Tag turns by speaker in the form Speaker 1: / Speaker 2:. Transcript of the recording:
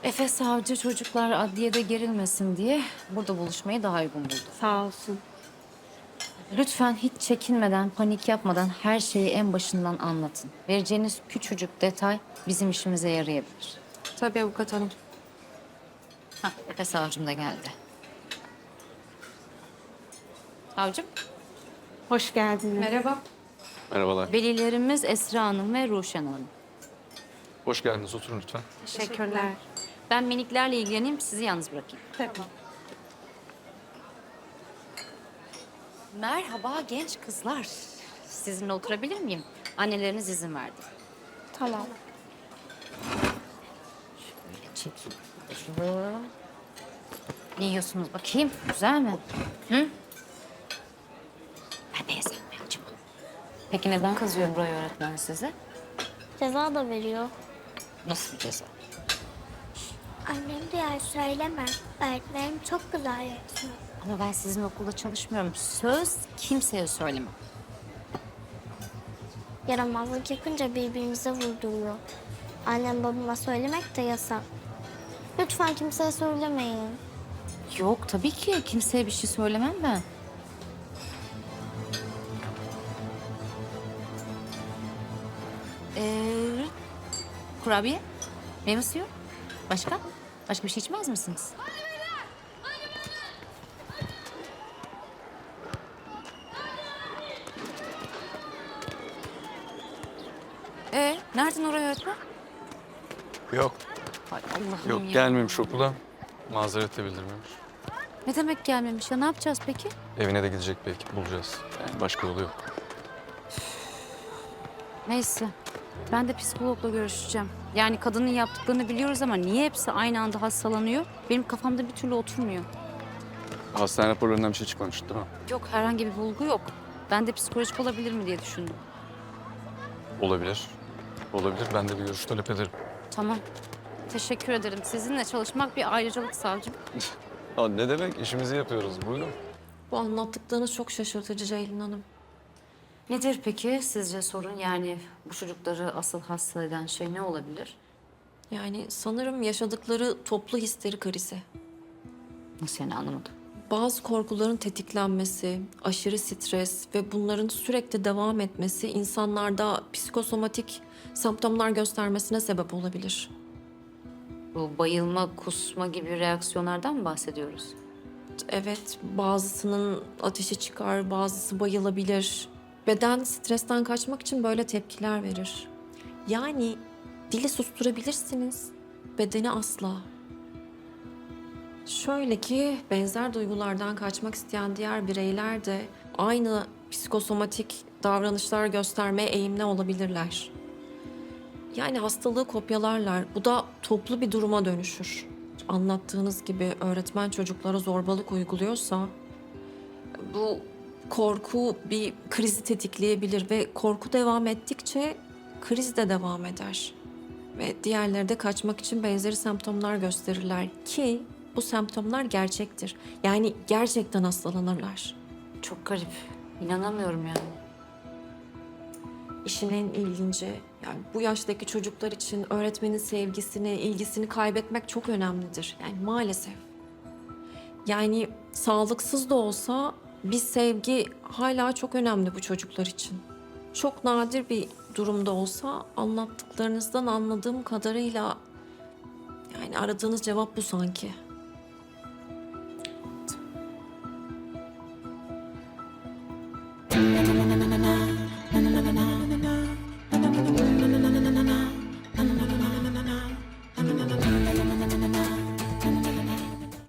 Speaker 1: Efe savcı çocuklar adliyede gerilmesin diye burada buluşmayı daha uygun buldu.
Speaker 2: Sağ olsun.
Speaker 1: Lütfen hiç çekinmeden, panik yapmadan her şeyi en başından anlatın. Vereceğiniz küçücük detay bizim işimize yarayabilir.
Speaker 2: Tabii avukat hanım.
Speaker 1: Hah, Efe savcım da geldi. Savcım,
Speaker 2: Hoş geldiniz. Merhaba.
Speaker 3: Merhabalar.
Speaker 1: velilerimiz Esra Hanım ve Ruşen Hanım.
Speaker 3: Hoş geldiniz. Oturun lütfen.
Speaker 2: Teşekkürler.
Speaker 1: Ben miniklerle ilgileneyim, sizi yalnız bırakayım.
Speaker 2: Tabii.
Speaker 1: Merhaba genç kızlar. Sizinle oturabilir miyim? Anneleriniz izin verdi.
Speaker 2: Tamam.
Speaker 1: Böyle çekeyim. Şunu. Ne yiyorsunuz bakayım? Güzel mi? Hı? Ben de yesem mi acaba? Peki neden kızıyor Buray öğretmen size?
Speaker 4: Ceza da veriyor.
Speaker 1: Nasıl bir ceza?
Speaker 4: Annem diğer söyleme. Öğretmenim çok güzel yapıyor.
Speaker 1: Ama ben sizin okulda çalışmıyorum. Söz kimseye söylemem.
Speaker 4: Yaramazlık yapınca birbirimize vurduruyor. Annem babama söylemek de yasak. Lütfen kimseye söylemeyin.
Speaker 1: Yok tabii ki kimseye bir şey söylemem ben. Kurabiye, meyve suyu. Başka? Başka bir şey içmez misiniz? Nereden oraya öğretmen?
Speaker 3: Yok.
Speaker 1: Hay Allah'ım
Speaker 3: Yok
Speaker 1: ya.
Speaker 3: gelmemiş okula. Mazeret de bildirmemiş.
Speaker 1: Ne demek gelmemiş ya? Ne yapacağız peki?
Speaker 3: Evine de gidecek belki. Bulacağız. Yani başka yolu yok.
Speaker 1: Neyse. Ben de psikologla görüşeceğim. Yani kadının yaptıklarını biliyoruz ama niye hepsi aynı anda hastalanıyor? Benim kafamda bir türlü oturmuyor.
Speaker 3: Hastane raporlarından bir şey çıkmamış değil mi?
Speaker 1: Yok herhangi bir bulgu yok. Ben de psikolojik olabilir mi diye düşündüm.
Speaker 3: Olabilir. Olabilir. Ben de bir görüş talep ederim.
Speaker 1: Tamam. Teşekkür ederim. Sizinle çalışmak bir ayrıcalık savcım.
Speaker 3: Aa, ne demek? İşimizi yapıyoruz. Buyurun.
Speaker 2: Bu anlattıklarınız çok şaşırtıcı Ceylin Hanım.
Speaker 1: Nedir peki sizce sorun? Yani bu çocukları asıl hasta eden şey ne olabilir?
Speaker 2: Yani sanırım yaşadıkları toplu histeri krizi.
Speaker 1: Nasıl yani anlamadım.
Speaker 2: Bazı korkuların tetiklenmesi, aşırı stres ve bunların sürekli devam etmesi insanlarda psikosomatik semptomlar göstermesine sebep olabilir.
Speaker 1: Bu bayılma, kusma gibi reaksiyonlardan mı bahsediyoruz?
Speaker 2: Evet, bazısının ateşi çıkar, bazısı bayılabilir. Beden stresten kaçmak için böyle tepkiler verir. Yani dili susturabilirsiniz, bedeni asla. Şöyle ki benzer duygulardan kaçmak isteyen diğer bireyler de aynı psikosomatik davranışlar göstermeye eğilimli olabilirler. Yani hastalığı kopyalarlar. Bu da toplu bir duruma dönüşür. Anlattığınız gibi öğretmen çocuklara zorbalık uyguluyorsa bu korku bir krizi tetikleyebilir ve korku devam ettikçe kriz de devam eder. Ve diğerleri de kaçmak için benzeri semptomlar gösterirler ki bu semptomlar gerçektir. Yani gerçekten hastalanırlar.
Speaker 1: Çok garip. İnanamıyorum yani.
Speaker 2: İşin en ilginci, yani bu yaştaki çocuklar için öğretmenin sevgisini, ilgisini kaybetmek çok önemlidir. Yani maalesef. Yani sağlıksız da olsa bir sevgi hala çok önemli bu çocuklar için. Çok nadir bir durumda olsa anlattıklarınızdan anladığım kadarıyla yani aradığınız cevap bu sanki.